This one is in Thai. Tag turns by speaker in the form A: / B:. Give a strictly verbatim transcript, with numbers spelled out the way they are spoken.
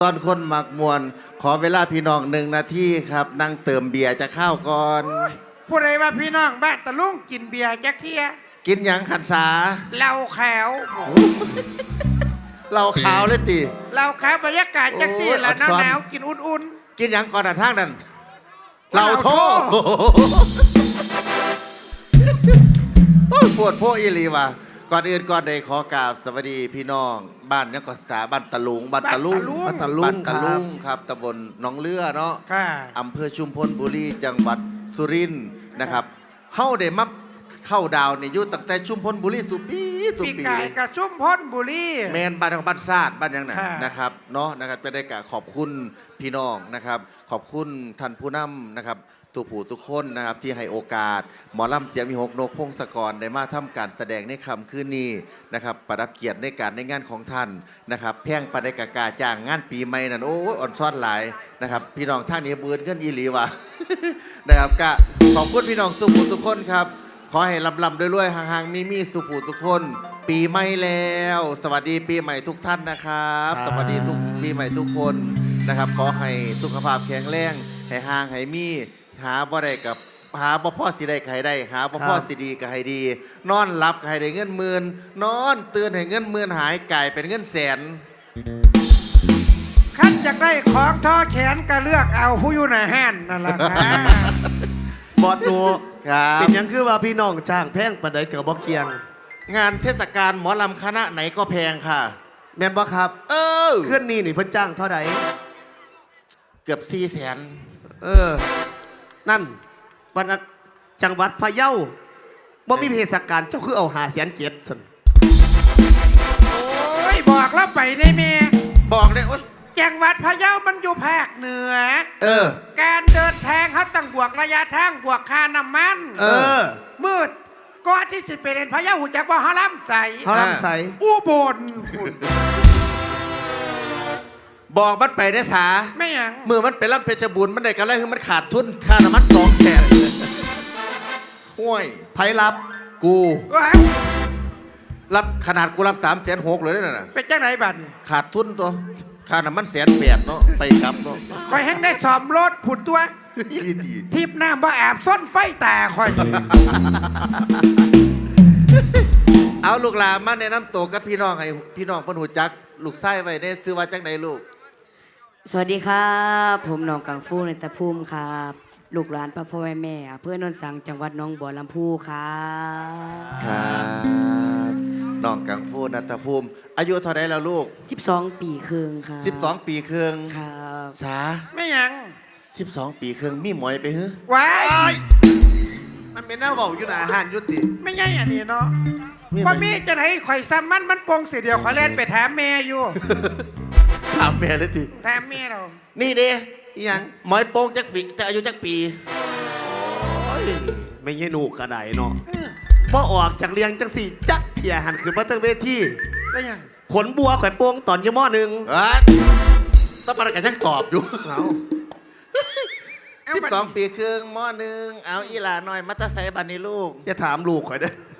A: ตอนคนหมักมวนขอเวลาพี่น้องหนึ่งนาทีครับนั่งเติมเบียร์จะเข้าก่อน
B: ผู้ใดว่าพี่น้องบ้านตะลุงกินเบียร์จักเทีย
A: กินหยังขันสา
B: เหล้าขาว
A: เราขาวเลยตี
B: เหล้าขาวบรรยากาศจักซี่แล้วหนาวๆกินอุ่น
A: ๆกินหยังก่อนทางนั้นเราโทษปวดพวกอีลีว่ะก่อนอื่นก่อนใดขอกราบสวัสดีพี่น้องบ้านยังก็สาบ้านตะลุงบ้านตะลุง
B: บ้านตะ
A: ลุงตะลุงครับตำบลหนองเลือเนาะอำเภอชุมพลบุรีจังหวัดสุรินทร์นะครับเฮาได้มาเข้าดาวในยุคตั้งแต่ชุมพลบุรีสุปีสุปี
B: เลยกับชุมพลบุรี
A: แมนบ้านของบ้านซาดบ้านยังไงนะครับเนาะนะครับจะได้กะขอบคุณพี่น้องนะครับขอบคุณท่านผู้นำนะครับทุกผู้ทุกคนนะครับที่ให้โอกาสหมอลำเสียงมีหกนกพงศกรได้มาทำการแสดงในค่ำคืนนี้นะครับประดับเกียรติในการในงานของท่านนะครับแพ่งปฏิกากาจ้างงานปีใหม่นั่นโอ้อ่อนซ้อนหลายนะครับพี่น้องท่านนี้เบือนขึ้นอีหลีวะนะครับก็ขอบคุณพี่น้องทุกผู้ทุกคนครับขอให้ลำลำด้วยรวยห่างๆมีมีสุขูทุกคนปีใหม่แล้วสวัสดีปีใหม่ทุกท่านนะครับสวัสดีทุกปีใหม่ทุกคนนะครับขอให้สุขภาพแข็งแรงให้ห่างให้มีหาบ่ได้กับหาบ่พ่อสิได้ใครได้หาบ่พ่อสิดีก็ให้ดีนอนหลับก็ให้ได้เงินหมื่นนอนตื่นให้เงินหมื่นหายกลายเป็นเงินแสน
B: ขั้นจากได้ของท่อแขนก็เลือกเอาผู้อยู่ในห้านนั่นแหละครับ
C: บอดดู
A: ครับ
C: เป็นยังคือว่าพี่น้องจ้างแพงปานใดเกิดบ่เกียง
A: งานเทศกาลหมอลำคณะไหนก็แพงค่ะ
C: แม่นบ่ครับ
A: เออ
C: เคลื่อนนี่นี่เพิ่นจ้างเท่าใด
A: เกือบสี่แสน
C: เออนั่นวันนั้นจังหวัดพะเยาบ่มีเทศกาลเจ้าคือเอาหาแสนเจ็ดสั่น
B: โอ้ยบอกแล้วไปได้แม่
A: บอกเลยโอ๊ย
B: จังหวัดพะเยามันอยู่ภาคเหนือ
A: เออ
B: การเดินทางเขาต้องบวกระยะทางบวกค่าน้ำมัน
A: เออ
B: มืดก่อนที่สิไปเรียนพะเยาหูจักว่าฮาลัมใส
C: ฮาลัมใส
B: อุบล
A: บอกมันไปได้สา
B: ไม่หยัง
A: มือมันไปรับเพชรบุญมันได้กันแล้วคือมันขาดทุนค่าน้ำมันสองแสนห่วย
C: ไผรับ
A: กูรับขนาดกูรับสามแสนหกเลยนั่นน่ะ
B: เป็นจ้าไหนบัตร
A: ขาดทุนตัวค่าน้ำมันแสนแปดเนาะไปครับเนาะ
B: คอยแห้งได้สอมรถผุดตัวทิพน้ำบ่แอบซ่อนไฟแต่คอย
A: เอาลูกหลานมาแนะนำตัวกับพี่น้องให้พี่น้องเพิ่นหูจักลูกไส้ไว้ในซื้อว่าจังไหนลูก
D: สวัสดีครับผมน้องกังฟูในตะภูมิครับลูกหลานพ่อพ่อแม่แม่เพื่อนนนสังจังหวัดน้องบัวลำพูครับ
A: ครับน้องกังฟูนัตภูมิอายุเท่าไหร่แล้วลูก
D: สิบสองปีครึ่งครับ
A: สิบสองปีครึ่ง
D: ครับ
A: สา
B: ไม่ยัง
A: สิบสองปีครึ่งมีหมอยไปฮึ
B: ว้าย
C: มันเป็นหน้าเบาอยู่หน้าอาหารยุติ
B: ไม่ใช่อันนี้เนาะว่ามีจะไหนข่อยซ้ำมันมันปงเสียเดียวขอเล่นไปแถมแม่อยู่
A: ถามแม่เลยที
B: แถมแม่เรา
A: นี่ดิยังหมอยโป่งจักปีจะอายุจักปี
C: ไม่ใช่หนูกระไดเนาะบ่ออกจากเรียงจังสี่จักเถี่ยหันขึ้นมาตั้งเวที
B: ได้ยัง
C: ขนบัวแขวนโป่งตอนยี่หม้อหนึ่ง
A: ต้องประกันยังตอบอยู่สิบสองปีครึ่งหม้อหนึ่งเอาอีหลาหน่อยมัตตาไซบันนี่ลูก
C: อย่าถามลูกข่อยเด้อ